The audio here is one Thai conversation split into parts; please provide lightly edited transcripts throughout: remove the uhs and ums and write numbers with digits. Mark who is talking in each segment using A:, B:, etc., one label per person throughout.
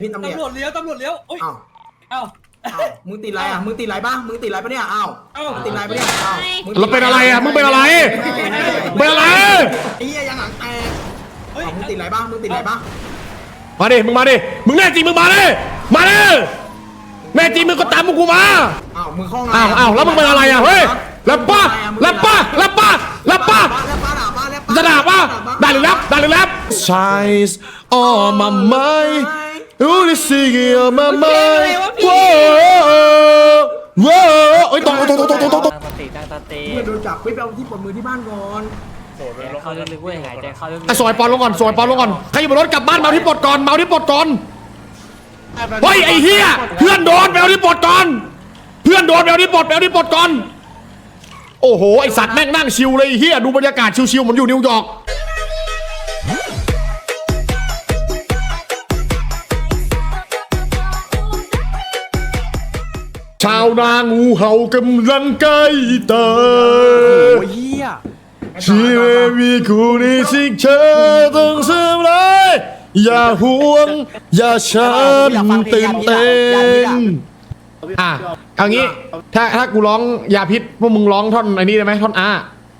A: พี่ตำรวจเลี้ยวโอ้ยอ้าวมึงติดไรอ่ะมึงติดไรบ้างมึงติดไรปะเนี่ยอ้าวติดไรปะเนี่ยอ้าว
B: เราเป็นอะไรอ่ะมึงเป็นอะไรเป็นอะไร
A: ไอ้เหี้ยยังหางแตกมึงติดไรบ้างมึงติดไรบ้าง
B: มาดิมึงมาดิมึงแน่จริงมึงมาดิมาดิแน่จริงมึงก็ตามกูมา
A: อ้าวมึงคล้อง
B: อ้าวแล้วมึงเป็นอะไรอ่ะเฮ้ยแล้วป้าจะด่าป่ะด่าหรือแรป Shines on my mind You the singing on my mind Whoa เอ้ยตรง
A: มึงโดนจับไปเอาที่ปลดมือที่บ้านก่อน
C: เข้าลึกๆเว้ยหายใจเข้าลึก
B: ๆสอยปอนลงก่อนใครอยู่บนรถกลับบ้านเมาที่ปลดก่อนเฮ้ยไอ้เหี้ยเพื่อนโดนไปเอาที่ปลดก่อนโอ้โหไอสัตว์แม่งนั่งชิวเลยเฮียดูบรรยากาศชิวๆเหมือนอยู่นิวยอร์กชาวนางูเห่ากำลังใกล้ตาย
C: โอ้ยเฮีย
B: ชีวิตมีคู่นี้สิ่งเธอต้องเสื่อมเลยอย่าห่วงอย่าฉันตื่นเต้นเอางี้ถ้ากูร้องยาพิษพวกมึงร้องท่อนไอ้นี่ได้ไหมท่อนได้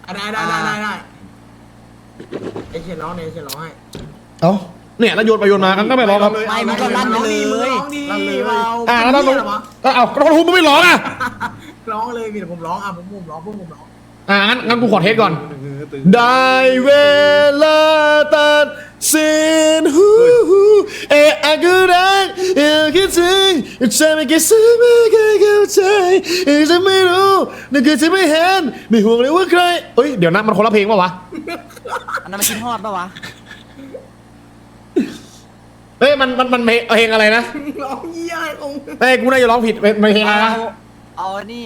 A: ไอ้เชียร้องเนี่ยไอ้เชียร้องให้
B: เนี่ยแล้วโยนไปโยนมากันก็ไม่ร้องครับ
C: ไม่มันก็ลั่นไปเลย
B: แล้วต้องแล้วทุบมึงไม่ร้อง
A: ร้องเลยมีแต่ผมร้องผมร้องพวกผมร้อง
B: งั้นกูขอเทสก่อนได้เวลาตัดสินอากูรักคิดถึงจะไม่คิดซึ้งไม่เคยเข้าใจจะไม่รู้นึกจะไม่เห็นไม่ห่วงเลยว่าใครเดี๋ยวนะมันคนละเพลงป่ะวะ
C: อันนั้นมันคิดฮอดป่ะวะ
B: มันเพลงอะไรนะ
A: ร้องเยี่ยอะไรของ
B: กูน่าจะร้องผิดเพลงอะไรนะ
C: เอานี่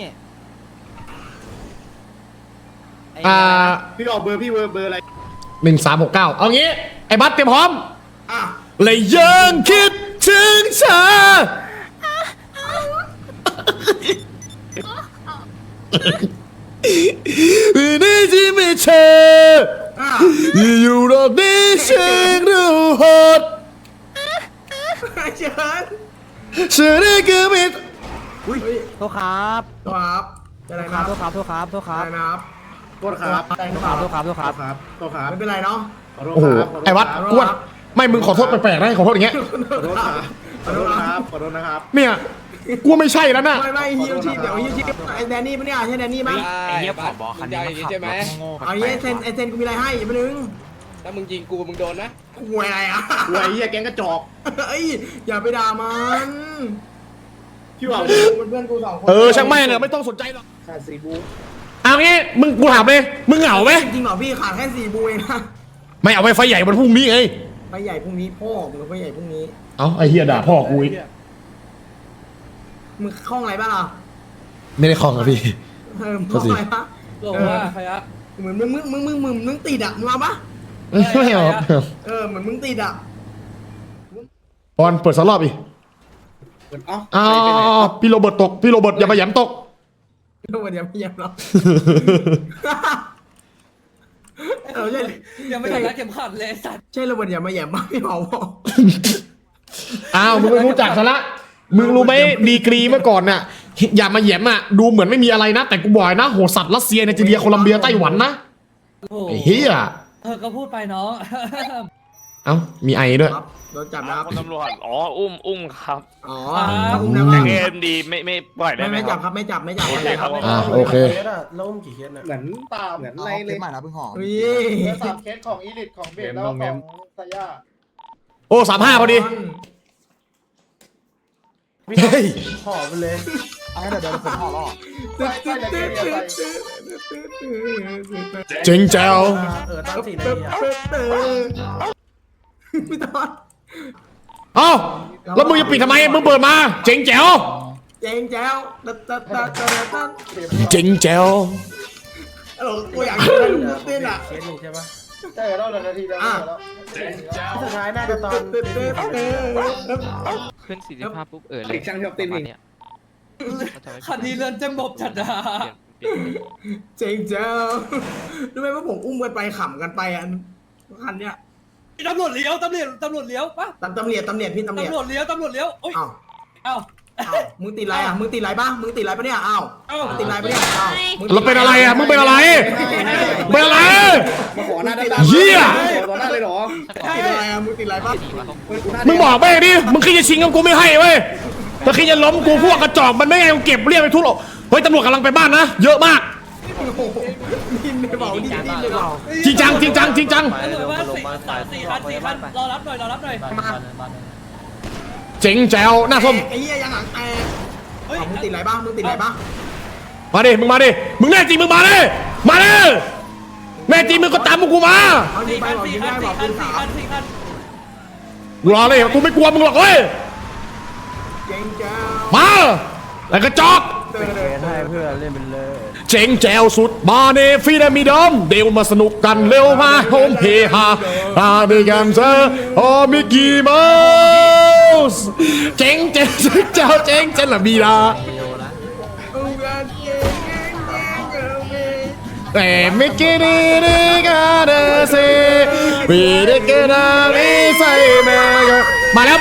A: พี่ออกเบอร์พี่เบอร์อะไร
B: 1369เอางี้ไอ้บัสเตรียมพร้อมเลยยังคิดถึงเธอวันนี้ที่ไม่เธออยู่รอบนี้ฉันรู้หดเชิญได้ก็ไม่
C: โทษครับ
A: อะไรนะ
C: โทษครับ
A: นะครับไม่เป็นไรเนาะ
B: โอ้โหไอ้วัดกวนไม่มึงขอโทษแปลกๆนะขอโทษอย่างเงี้ย
A: ขอโทษนะครับ
B: เนี่ยกูไม่ใช่แล้วนะ
A: ไม่ฮิวชีเดี๋ยวฮิวชีไอ้แดนนี่ปะเนี่ยใช่แดนนี่มั้ย
C: ไอ้เหี้ยผอบคันนี้ใช่ไหม
A: ไอ้เซนกูมีอะไรให้อย่าไปนึง
D: ถ้ามึงยิงกูมึงโดนนะ
A: กูอะไรอ่ะ
D: กูไอ้เหี้ยแก๊งกระจอก
A: อย่าไปด่ามัน
D: พี่ว่า
A: เพื่อนกู2 คน
B: ช่างแม่งไม่ต้องสนใจหรอก
A: ขาด4 บู
B: เอางี้มึงกูถามเลยมึงเหงาไหม
A: จริงเหรอพี่ขาดแค่4 บูเองนะ
B: ไม่เอาไว้ไฟใหญ่วันพรุ่งนี้ไง
A: ไฟใหญ่พรุ่งนี้พ่อมึงไฟใหญ่พรุ่งนี้
B: ไอ้เฮียด่าพ่อกูอีก
A: มึงคล้องอะไรบ้างล่ะ
B: ไม่ได้คล้องอะพี่
A: คล้องอะไรปะ
D: ว่าใครอะ
A: เหมือนมึงติดอ่ะมึงมาปะ
B: ไม่เอา
A: เหมือนมึงติดอ่ะ
B: บอลเปิดสล็อตอีกพี่โรเบิร์ตตกพี่โรเบิร์ตอย่ามาแย้มตก
A: พี่โรเบิร์ตอย่ามาแย้มหรอก
D: ยังไม่ถึงรัดเข็มขัดเลยสัตว์
A: ใช่โรเบิร์ตอย่ามาแย้มบ้างพี่เผาบอก
B: มึงไม่รู้จักซะละมึงรู้ไหมดีกรีเมื่อก่อนน่ะอย่ามาแย้มดูเหมือนไม่มีอะไรนะแต่กูบอกนะโหสัตว์รัสเซียไนจีเรียโคลัมเบียไต้หวันนะไอ้เฮีย
D: ก็พูดไปน้อง
B: มีไอด้วย
A: โดนจับนะครับ
E: ตำรวจอุ้มครับ
A: อุ้มนะ
E: เกมดีไม่ปล่อยได้ไหม
A: ไม่จับครับไม่จับ
B: ครับโอเค
D: ล้มกี่เคสเหมือนตามเหมือนอะไรเลย
C: ใหม่นะเพิ่งหอม
D: 3 เคสของอีลิทของเบสแล้วของซาย่า
B: 35พอดี
A: ห่อไปเลย
C: เดี๋ยวผมห่อล่อ
B: เจ๋งแจ๋ว
A: ตั้ง4 นาทีพี่ตอน
B: แล้วมึงจะปิดทำไมมึงเปิดมาเจ๋งแจ๋ว
A: เจ๋งแจ๋ว
B: เจ๋งแจ๋ว
A: กูอยากเต้นอ่ะ
D: ใช่ปะ
A: ใช่แล้วนาทีแล้วสุดท้ายน่าจะตอน
F: ขึ้น45ปุ๊บเลย
D: ช่างชอบเต้น
F: เนี่ย
D: คันนี้เลื่อนจะบบจัดอะ
A: เจ๋งเจ้ารู้ไหมว่าผมอุ้มกันไปขำกันไปคันเนี้ย
F: ตำรวจเลี้ยวปะ
A: ตำรวจพี่ตำรวจ
F: ตำรวจเลี้ยวโอ้ย
A: อ้าว
F: เอ้า
A: มึงติดไรอ่ะมึงติดไรบ้างมึงติดไรปะเนี่ยอ้าวมึงติดไรปะเนี่ยอ้าว
B: เราเป็นอะไรอ่ะมึงเป็นอะไรเป็นอะไร
C: มาขอหน้าด้าน
B: เหี้ย
C: ขอหน้าเลยเหรอ
A: ติดไรอ่ะมึงติดไรบ้าง
B: มึงบอกไปดิมึงคิดจะชิงกับกูไม่ให้เว้ยถ้าคิดจะล้มกูพวกกระจอกมันไม่ไงกูเก็บเรียกไปทุกหรอกเฮ้ยตำรวจกำลังไปบ้านนะเยอะมาก
A: ดิ้นเลยเปล่าดิ้นเลยเปล่า
B: จริงจังจริงจังจริงจัง
F: ตำรวจว่าสี่คันรอรับหน่อย
B: เจ๋งแจ๋วหน้าส้ม
A: ไอ้เหี้ยยังหางแตกมึงติดไรบ้างมึงติดไรบ้าง
B: มาดิมึงมาดิมึงแน่จริงมึงมาดิมาดิแน่จริงมึงก็ตามกูมา
A: เอายิงไปบอกยิงได้บอกปืนสาม
F: สี่คัน
B: กูรอเลยกูไม่กลัวมึงหรอกเว้ย
A: เจ๋งจ้า
B: มาไอ้กระจอก
C: ให้เพื่อนเล่นเป็นเลย
B: เจ๋งแจ๋วสุดมาเนฟีดมีดอมเดี๋ยวมาสนุกกันเร็วมาโฮมเฮฮามาด้วยกันเถอะโอ้มิกกี้เมาส์เจ๋งเจ๋งเจ้าเจ๋งเจ๋งละมีดาแต่ไม่กินดีกันสิวีเด็กกันไม่ใส่แม่ก็มาแล้ว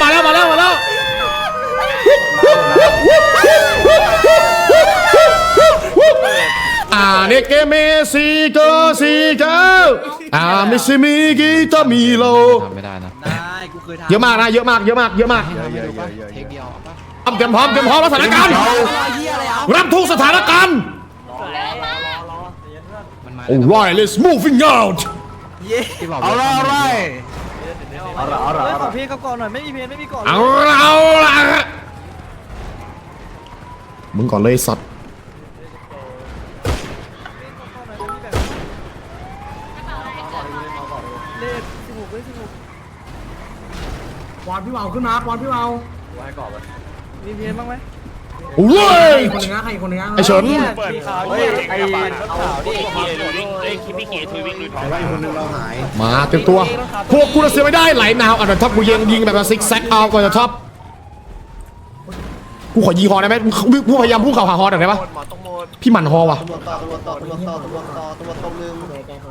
B: ねけめしこしこมิชิมิกิตามิโลทำไม่ได้นะเยอะมากนะเยอะมากเตรียมพร้อมรับสถานการณ์รับทุกสถานการณ์ Alright let's moving out
C: เอาละขอเพลงเขาก่อนหน่อยไม่มีเพลงไม่มีก่อน
B: เอาละมึงก่อนเลยสัตว์
A: บอลพี่เมาขึ้นมาบอลพี่เมา
C: มีเพลงบ้างไหม
B: โอ้ย
A: คนนึงนะใครคนนึงนะ
B: ไอเฉิน
E: เปิดข่าวดิไอ้ข่าวดิไอ้คิดพี่เกียร์ทวิงลุยทอง
C: ว่าอีกคนนึงเราหาย
B: มาเต็มตัวพวกกูจะเสียไม่ได้ไหลนาวอันนั้นท็อปกูยิงแบบซิกแซกเอาก่อนจะท็อปกูขอยิงฮอได้ไหมผู้พยายามพุ่งเข่าหาฮอได้ไหมพี่หมั่นฮอว่ะ
C: ตำรวจต่อตรงนึง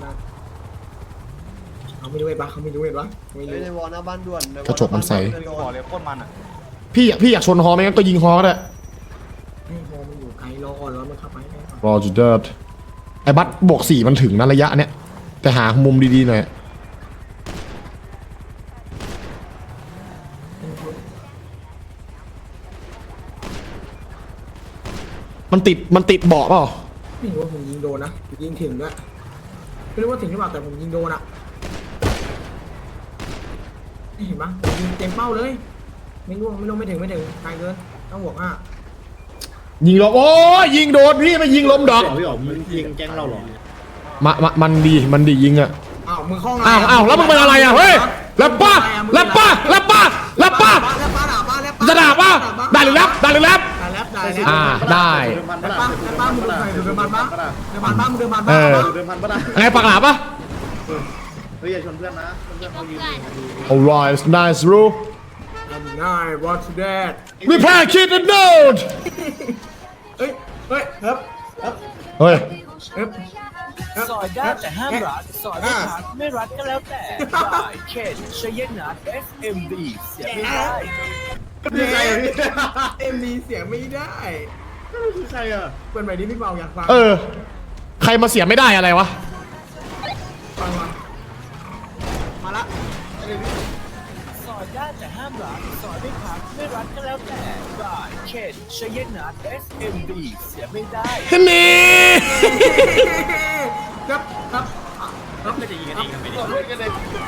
A: เขาไม่รู้เห็นปะเขาไม่รู้เห็นปะไม่รู้
C: ในวอลหน้าบ้านด่วน
B: กระจกมันใส
C: บอกเลยโคตรมันอ่ะ
B: พี่อยากชนฮอไหมงั้นก็ยิงฮอก็ได้
A: ให้โฮมันอยู่ไกลรอก่อนแล้วมันเข้าไปได้ก่อน
B: รอจุดเดิร์ดไอ้บัตบวก4มันถึงนะระยะเนี้ยแต่หามุมดีๆหน่อยมันติดเบาะเปล่า
A: ไม่รู้ว่าผมยิงโดนนะยิงถึงด้วยไม่รู้ว่าถึงหรือเปล่าแต่ผมยิงโดนอะเห็นปะผมยิงเต็มเป้าเลยไม่รู้ไม่ถึงไกลเกินต้องบวก5
B: ยิงลมโอ้ยยิงโดนพี่ไม่ยิงลมดอก
C: พี่อ๋อมึงยิงแก๊งเราหรอ
B: มันดียิงอะ
A: อ้าวมึงคล้อง
B: อ้าวแล้วมึงเป็นอะไรอะเฮ้ยแล้วป้าจะด่าป้าได้หรือแรปได้
A: ได้
B: ได้
A: ป้ามึงเดินบ้านมึงเดินบ้าน
B: เออ
C: เดิมพันปะนะ
B: ไงปากหลาปะ
C: เฮ้ยอย่าชนเพื่อนนะเพื่อนเขายืน
B: Alright nice bro
A: ง่าย what's that
B: we play kid and node
A: เฮ้ยครับ
B: เฮ้ย
F: สอยได้แต่ห้ามรัดสอยไม่รัดไม่รัดก็แล้วแต่ได้เขตชยนัท SMD เสียไม่ได้
A: ยังไงเอ็มดีเสียงไม่ได้
C: คือใครอ่ะ
A: เปิดใหม่ดิพี่เปาอยากฟัง
B: ใครมาเสียไม่ได้อะไรวะ
A: ฟังมาละ
F: สอยได้แต่ห้ามรัดสอยไม่พักไม่รัดก็แล้วแต่ได้เขตชยนัท SMD เสียไม่ได้
B: นี่
A: ครับไม่จะยิงกันดีครับ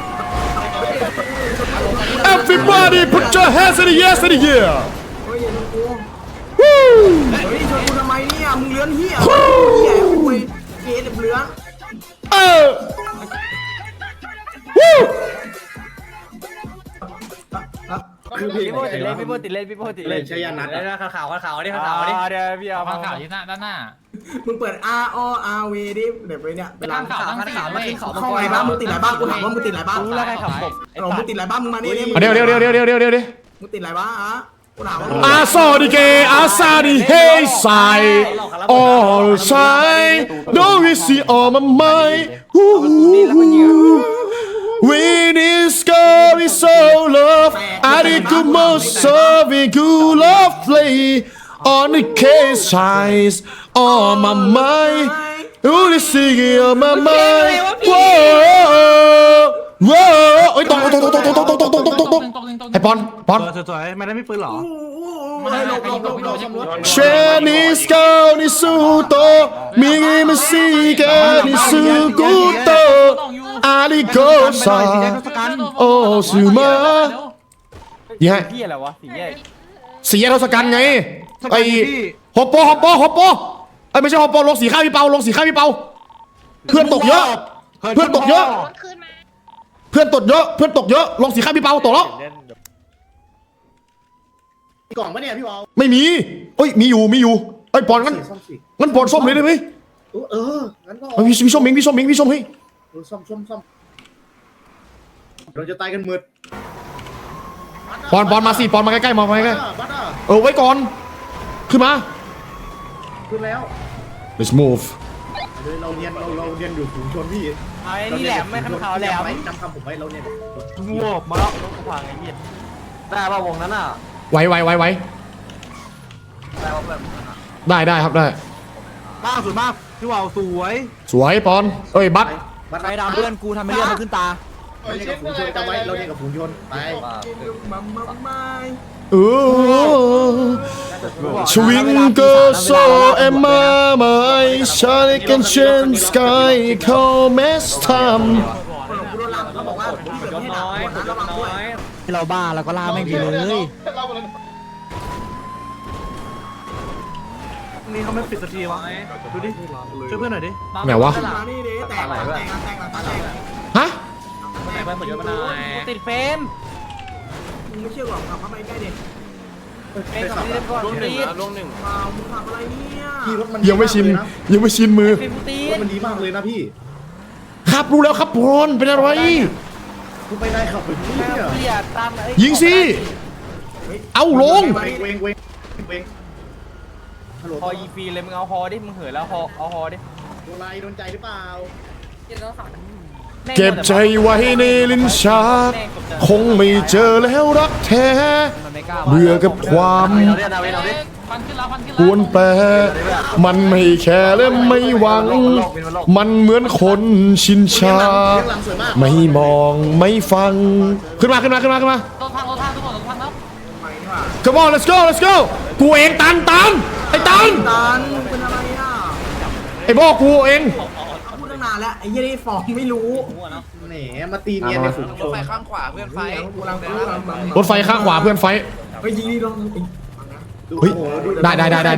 B: Everybody put your hands in the air in the air
A: เฮ้ยอย่าลงกู
B: Woo
A: เฮ้ยชนกูทำไมเนี่ยมึงเลื้อนเหี้ยคุยเกย์เลื้อน
B: Woo
C: พี่โบติดเล่นใช้ยานัด
F: ข่าวนี่ข่าวนี่เดี๋ยวพี่เอา
G: ข่าวที่ด้านหน้า
A: มึงเปิด R O R V ดิเดี๋ยวไปเนี่ยเวลา
G: ข่าวมาขึ้นเขา
A: เข้าไหนบ้างมึงติดไหนบ้างกูถามว่ามึงติดไหนบ้าง
C: รู้แล้วใครขับผม
A: มึงติดไหนบ้างมึงมานี่
B: เดี๋ยว
A: มึงติดไหนบ้างอ่ะกูถามว่า
B: อาซอดิเกอาซาดิเฮไซ all shine don't we see all my mind We discover so love I think you most serving good love play on the case size on my mind you the singing on my mind whoa whoa เอ้ยตกไอ้ปอน
C: สวยๆไม่ได้ไม่ปืนหรอ
B: เชนิสเกานิสุโตมิกิมิซิเกนิสุกุโตอาริโกซาโอซูมายี่ห้อ
C: พี่อะไรวะสีแยก
B: สีแยกทศกัณฐ์ไงไอ้ฮอปโปไอ้ไม่ใช่ฮอปโปลงสีข้าวพี่เปาลงสีข้าวพี่เปาเพื่อนตกเยอะเพื่อนตกเยอะเพื่อนตกเยอะลงสีข้าวพี่เปาตกแล้ว
D: กล่องปะเนี่ยพี่วาว
B: ไม่มีเอ้ยมีอยู่ไอ้ปอนงั้นปอนส้มเลยได้ไหม
D: งั้นก็
B: เอาพี่ส้มเองให้
D: ซ่อมเราจะตายกันหมด
B: ปอนมาสิปอนมาใกล้ๆมาใกล้
D: บัตร
B: ๆไว้ก่อนขึ้นมา
D: ขึ้นแล้ว
B: let's move
D: เราเรียนอยู่ฝูงชนพี่
C: ไอ้นี่แหลมไม่คันขาวแหลม
D: จำคำผมไว้เราเรียน
C: งวบมาแล้วรถพังไอ้เหี้ยได้ป่ะวงนั้นอ่ะ
B: ไว้ได้ครับได้
C: มากสุดมากพี่ว่าวสวย
B: สวยปอนเอ้ยบัต
C: ใครดำเพื่อนกูทำให้เลือดมันขึ้นตา
D: เราเรียนกับฝูงชนจำไว้เราเรียนกับฝูงชนไป
B: Twinkle so am I my shining and shine sky call mess time
C: ที่เราบ้าเราก็ล่าแม่งดีเลยนี่เขาไม่ปิดสักทีวะดูดิช่วยเพื่อนหน่อยดิ
B: ไหนวะฮะ
C: ติดเฟรม
A: ไม่เชื่อหรอกขับเข้าไปใกล้เด็ก
C: เฟรมกับนี่ก่อนตีด
A: มึงขับอะไรเนี่ย
D: พี่รถมัน
B: ยังไม่ชินมือ
C: เฟรมกูตี
D: รถ
C: ด
D: มันดีมากเลยนะพี่
B: ครับรู้แล้วครับปอนเป็นอะไร
D: คุณไปได้ขับไปพี่เนี่ย
C: เกลียดตาม
B: ยิงสิเอาลง
D: เวงฮัลโหล
C: ฮอยีฟีเลยมึงเอาฮอดิมึงเหินแล้วฮอเอาฮอดิ
D: โดนใจหรือเปล่า
B: เก็บใจไว้ในลิ้นชักคงไม่เจอแล้วรักแท้เบื่อกับความ
G: ฟันขึ้นแล้ว
B: กวนแปรมันไม่แคร์และไม่หวัง มันเหมือนคนชินชา ไม่มองไม่ฟัง ขึ้นมา
G: รถพังทุกคนรถพังแล้ว
B: Come on let's go กูเองตันไอ้ตัน
A: ตันเป็นอะไรอ่ะ
B: ไอ้บอกกูเอง
A: พูดตั้งนานแล้วไอ้ยี่นี่ฟองไม่รู้
D: แหมมาตีเนียนในฝูงชน
A: กูกำลังพูด
B: รถไฟข้างขวาเพื่อนไฟ
A: ไปยิงนี่ลง
B: เฮ้ยได้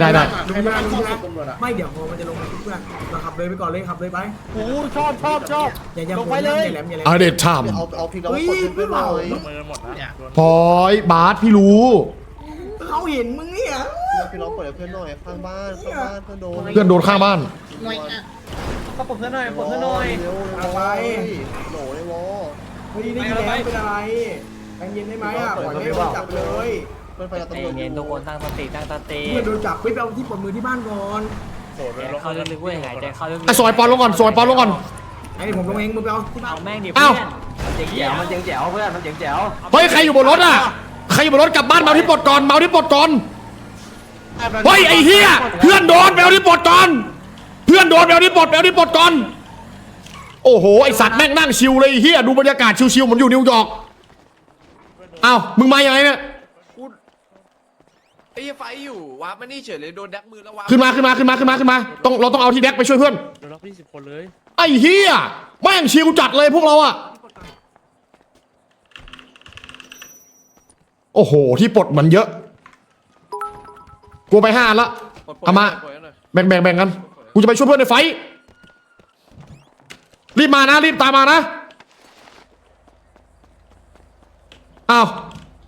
A: ไม่เดี๋ยวพอมันจะลงมาเพื่อนเราขับเลยไปก่อนเลยขับเลยไป
C: โอ้ชอบ
A: อย่า
C: ลงไปเลย
A: อย่าแหลม
B: เอาเด็ดท
D: เอาพี่เรา
A: เฮ้ย
D: คนเพื่อนเรา
B: ำพอยบาสพี่รู้
A: เขาเห็นมึงเนี่ย
D: พี่เราเปิดเพื่อนหน่อยข้างบ้านเพื่อนโดน
B: เพื่อนโดนข้างบ้าน
C: ก็ปลดเพื่อนหน่อยปลดเพื่อนหน่อย
A: อะไร
D: โหลเลยวอ
A: ไม่ได้ยินแล้วเป็นอะไรใจเย็นได้ไหมอ่ะปล่อยให้โดนจับเลย
D: เพื่อนไปกับตำรวจ
C: เย็นทุกคนตั้งสติ
A: เพื่อนโดนจับไปเอาที่ปลดมือที่บ้านก่อน
C: เขาลึกๆเว้ยหายใจเข้าลึก
B: ไอ้ซอยปอนลงก่อน
A: ไอ้ผมลงเองมึงไปเอาที่บ้าน
C: เอาแม่งดิ
B: อ้าว
C: เจ๋งแจ๋วมันเจ๋งแจ๋วเพื่อนมันเจ๋งแจ๋ว
B: เฮ้ยใครอยู่บนรถอ่ะใครอยู่บนรถกลับบ้านมาเอาที่ปลดก่อนเฮ้ยไอ้เหี้ยเพื่อนโดนไปเอาที่ปลดก่อนไปเอาที่ปลดก่อนโอ้โหไอสัตว์แม่งนั่งชิวเลยไอ้เหี้ยดูบรรยากาศชิวๆเหมือนอยู่นิวยอร์กอ้าวมึงมายังไงเนี่ย
H: ไอ้ไฟอยู่วาร์ปมานี่เฉยเลยโดนแดกมือแล้ววาร์ป
B: ขึ้นมาเราต้องเอาที่แดกไปช่วยเพื่อน
C: โดนล็อก20 คนเลย
B: ไอ้เหี้ยแม่งชิวจัดเลยพวกเราอะโอ้โหที่ปลดมันเยอะกูไป5 อันละเอามาแบ่งกันกูจะไปช่วยเพื่อนในไฟรีบมานะรีบตามมานะอ้าว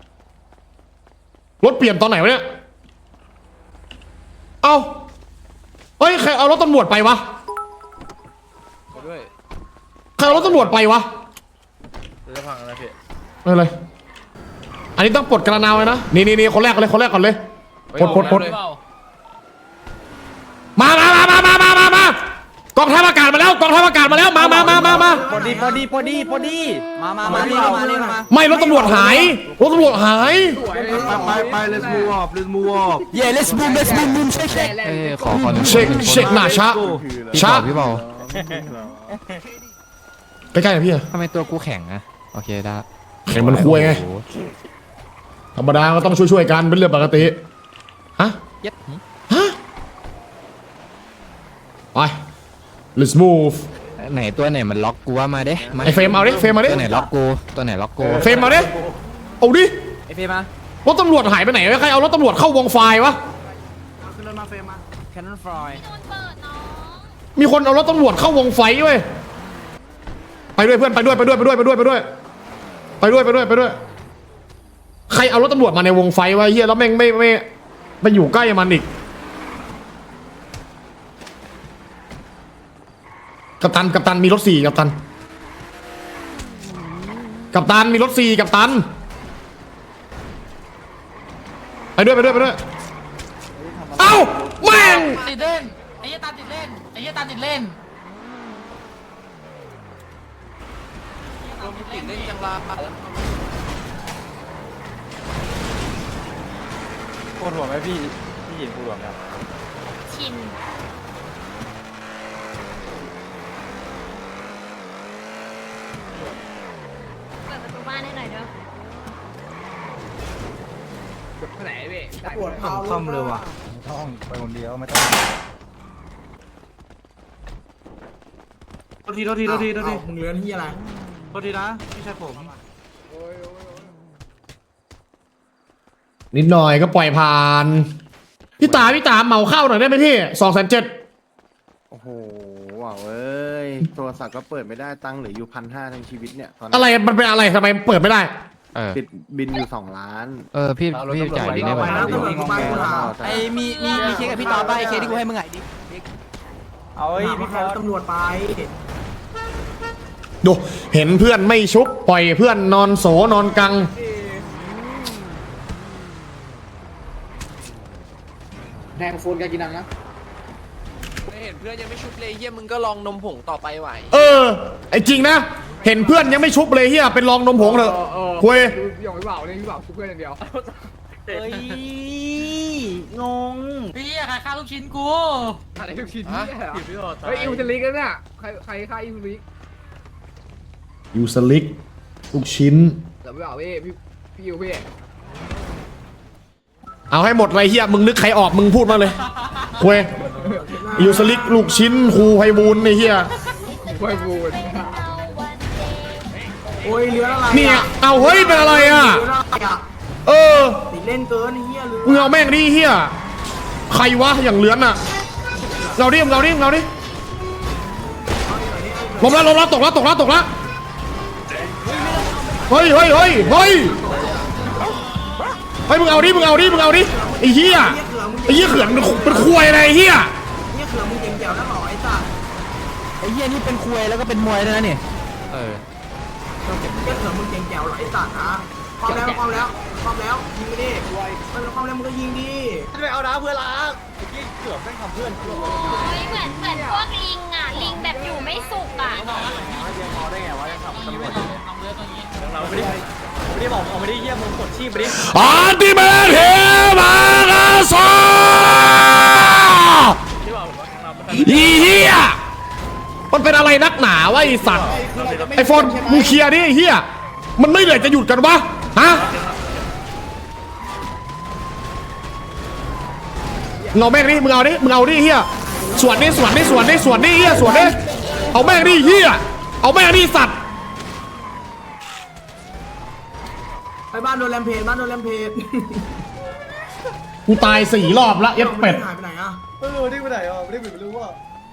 B: รถเปลี่ยนตอนไหนวะเนี่ยเอ้าเฮ้ยใครเอารถตำรวจไปวะ
H: ด้วย
B: ใครเอารถตำรวจไปวะ
H: จะพังอะไรพี่
B: ไม่เป็นไรอันนี้ต้องปลดกระนาวเลยนะนี่คนแรกก่อนเลยปลดมากองทัพอากาศมาแล้วกองทัพอากาศมาแล้วมา
C: พอดีมาเร็วมา
B: ไม่รถตำรวจหายรถตำรวจหาย
D: ไป let's move off let's move off
C: let's boomเช็ค
G: ขอ
B: เช็คหน้าช้า
G: พี่เบา
B: ใกล้ๆหน่อยพี่
G: ทำไมตัวกูแข็งอะโอเคได้
B: แข่งมันคุยไงธรรมดาก็ต้องช่วยกันเป็นเรื่องปกติฮะ
G: เย็ด
B: ไป let's move
G: ไหนตัวไหนมันล็อกกูว่ามาเด้
B: ไอเฟรมเอาดิเฟรมมาดิ
G: ตัวไหนล็อกกูตัวไหนล็อกกู
B: เฟรมมาดิเอาดิ
C: ไอเฟมาร
B: ถตำรวจหายไปไหนใครเอารถตำรวจเข้าวงไฟวะ
A: ขึ้นรถมาเฟรมมา
C: แคนนอนฟลอย
B: มีคนเอารถตำรวจเข้าวงไฟเว้ยไปด้วยเพื่อนไปด้วยใครเอารถตำรวจมาในวงไฟวะเฮียแล้วแม่งไม่ไปอยู่ใกล้มันอีกกัปตันมีรถ4กัปตันมีรถ4กัปตันไปด้วยเอ้าแม่ง
G: ติดเล่นไอ้เหี้ยตามติดเล่นไอ้เหี้ยตามติดเล่น
H: ติดเล่นจังลา
C: ปวดหัวไหมพี่หญิงปวดหัวไหม
I: ชินเปิดประตูบ้านให้หน่อยเด้อ
A: ปวดเท้า
C: ซ่อมเลยว่ะไม่ต้องไปคนเดียวไม่ต้อง
D: โทษที
A: มึงเลื้อนที่อะไร
D: โทษทีนะพี่ชายผม
B: นิดหน่อยก็ปล่อยผ่านพี่ตาเหมาเข้าหน่อยได้ไหมพี่270,000
D: โอ้โหว้าวเอ้ยโทรศัพท์ก็เปิดไม่ได้ตังค์เหลืออยู่1,500ทั้งชีวิตเนี่ยตอน
B: อะไรมันเป็นอะไรทำไมเปิดไม่ได้
D: ปิดบินอยู่2 ล้าน
G: พี่จ่ายดีได้ไหม
A: ตำรวจมากูถาม
C: ไอมีเคสกับพี่ต่อไปเคสที่กูให้มึงไงดิเอาไอ้
A: พี่
C: พี่
A: แค
C: ฟอ
A: ตำรวจไป
B: ดูเห็นเพื่อนไม่ชุบปล่อยเพื่อนนอนโสนอนกัง
D: แดงโฟนการกินนังนะ
H: ไม่เห็นเพื่อนยังไม่ชุบเลยเยี่ยมึงก็ลองนมผงต่อไปไหว
B: ไอจริงนะเห็นเพื่อนยังไม่ชุบเลยเฮียเป็นรองนมผงเถอะคุย
C: เฮ้ยงง
G: พี่ใครฆ่าลูกชิ้นกู
B: ยูสลิกลูกชิ้นเอาให้หมดเลยเฮียมึงนึกใครออกมึงพูดมาเลยคุยยูสลิกลูกชิ้นครูไพบูลย์ไอเฮีย
A: โอ้ยเลื้อนอะไร
B: เนี่ยเอาเฮ้ยเป็นอะไรอ่ะ
A: เลื้อนอะไรอ่ะ ติดเล่นเกินไอ้เหี้ยเลื้อน
B: มึงเอาแม่งดิเฮียใครวะอย่างเลื้อนอ่ะเราดิล้มแล้วตกแล้วเฮ้ยมึงเอาดิไอ้เหี้ยเขื่อนเป็นควยอะไรไอ้เหี้ย
A: เนี่ยเขือมึงเก่งแจ๋วนะหรอไอ้สัส
C: ไอ้เหี้ยนี่เป็นคุยแล้วก็เป็นมวยด้วยนะนี่
A: เนี่ยเขือมึงเก่งแจ๋วเหรอไอ้สัสนะความแล้วยิงไปดิความแล้วมึงก็ยิงดิ
C: ไปเอาน้ำเพื่อนล้าง
I: โอ้ยเหมือนพวกลิงอ่ะ ลิงแบบอยู่ไม่สุขอ่ะ
C: ไม่ได้บอกเอาไม่ได้เยี่ยมมึงกดชีพไปดิ
B: อันติเมทเฮมาคาซาอีเหี้ยมันเป็นอะไรนักหนาวะไอสัตว์ไอโฟนมึงเคลียร์ดิไอเหี้ยมันไม่เหนื่อยจะหยุดกันวะฮะมึงเอาแม่งดิมึงเอาดิเหี้ยสวนดิเหี้ยสวนดิเอาแม่งดิเหี้ยเอาแม่งดิสัตว์
A: ไปบ้านโดนแรมเพจ
B: กูตาย4 รอบละเย็ดเป็ด
A: หายไปไหนอ่ะ
C: ไม่รู้ที่ไปไหนอ่ะไม่รู้ว่า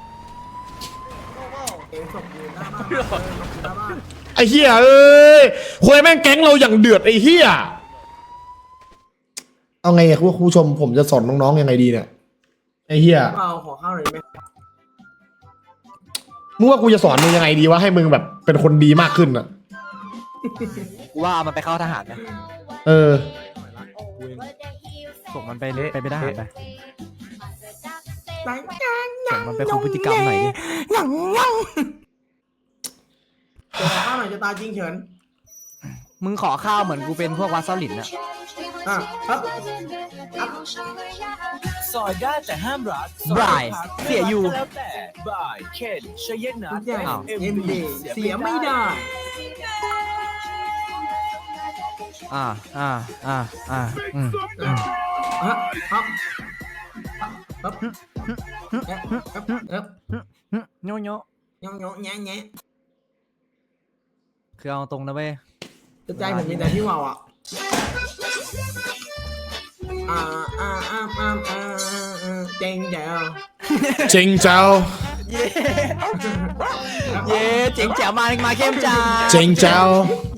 A: เองศพอยู่หน้าบ้าน
B: ไอ้เหี้ยเอ้ยคุยแม่งแก๊งเราอย่างเดือดไอ้เหี้ยเอาไงอะคุณผู้ชมผมจะสอนน้องๆยังไงดีเนี่ยไอ้เหี้ย
A: เราขอข้าวหน่อยไหม
B: มึงว่ากูจะสอนมึงยังไงดีวะให้มึงแบบเป็นคนดีมากขึ้นอะ
C: ว่ามันไปเข้าทหารนะ
B: ส่
C: ส่งมันไปเละไปทหารไป
A: ตาย
C: มันไปคุมพฤติกรรมหน่อยดิ
A: ยังจะตายข้าวหน่อยจะตายจริงเฉิน
C: มึงขอข้าวเหมือนกูเป็นพวกวาซาลินอะ
A: ครับ
F: สอยได้แต่ห้ามรัก
C: บรายเสียอยู่
F: แล้วแต่บายเคนชยนั
A: ทุ
F: ท
A: กอย่าง
F: SMD
A: เสียไม่ได้
C: อ่าอืม
A: ครับครับครับ
C: โยโย่
A: แง่แง่
C: คือเอาตรงนะเว้ย
A: ใจผมมีแต่พี่วาวอ่ะเจ๋งเจ๋ว
B: เจ๋งเจ้า
C: เย้เจ๋งแจ๋วมาเข้มจ้า
B: เจ๋งเจ้า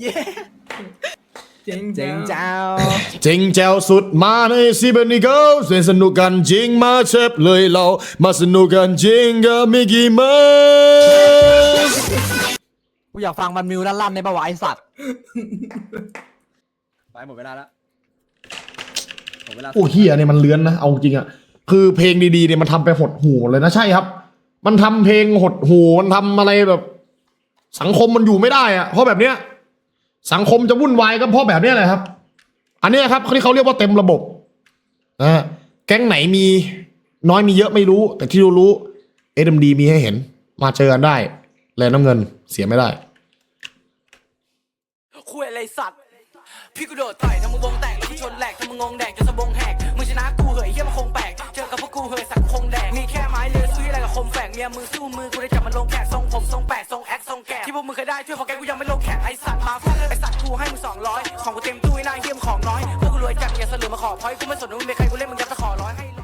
A: เจ๋ง
C: เจ๋งเจ้า
B: เจ๋งเจ้าสุดมาในซีเบนิโก้เล่นสนุกกันจริงมาเชฟเลยเรามาสนุกกันจริงกับมิกกี้เมาส์
C: กูอยากฟังมันมิวลั่นๆในประวัติสัตว์ไปหมดเวลาแล้ว
B: โอ้เฮียเนี่ยมันเลื้อนนะเอาจริงอะคือเพลงดีๆเนี่ยมันทำไปหดหูเลยนะใช่ครับ มันทำเพลงหดหูมันทำอะไรแบบ สังคมมันอยู่ไม่ได้อะเพราะแบบเนี้ยสังคมจะวุ่นวายก็เพราะแบบเนี้ยแหละครับ อันเนี้ยครับที่เขาเรียกว่าเต็มระบบนะฮะแก๊งไหนมีน้อยมีเยอะไม่รู้ แต่ที่รู้ SMD มีให้เห็นมาเจอกันได้แลน้ำเงินเสียไม่ได้
J: คุยอะไรสัตว์พี่กูโดดต่อยทำมึงวงแตกแล้วกูชนแหลกทำมึงงงแดกจนสะบงแหกมึงชนะกูเหยเฮียมันคงแปลกเจอกับพวกกูเหยสักคงแดกมีแค่ไม้เลือซื้ออะไรกับคมแฝกเมียมึงสู้มือกูได้จับมันลงแขกทรงผมทรงแปดทรงแอคทรงแกะที่พวกมึงเคยได้ช่วยพอแกกูยังไม่ลงแขกไอสัตว์มาฟังไอสัตว์กูให้มึง200ของกูเต็มตู้ไอ้นายเฮียมของน้อยพวกกูรวยจัดอย่าเสลือมาขอพอยกูไม่สนว่ามึงเป็นใครกูเล่นมึงยัดตะขอร้อยให้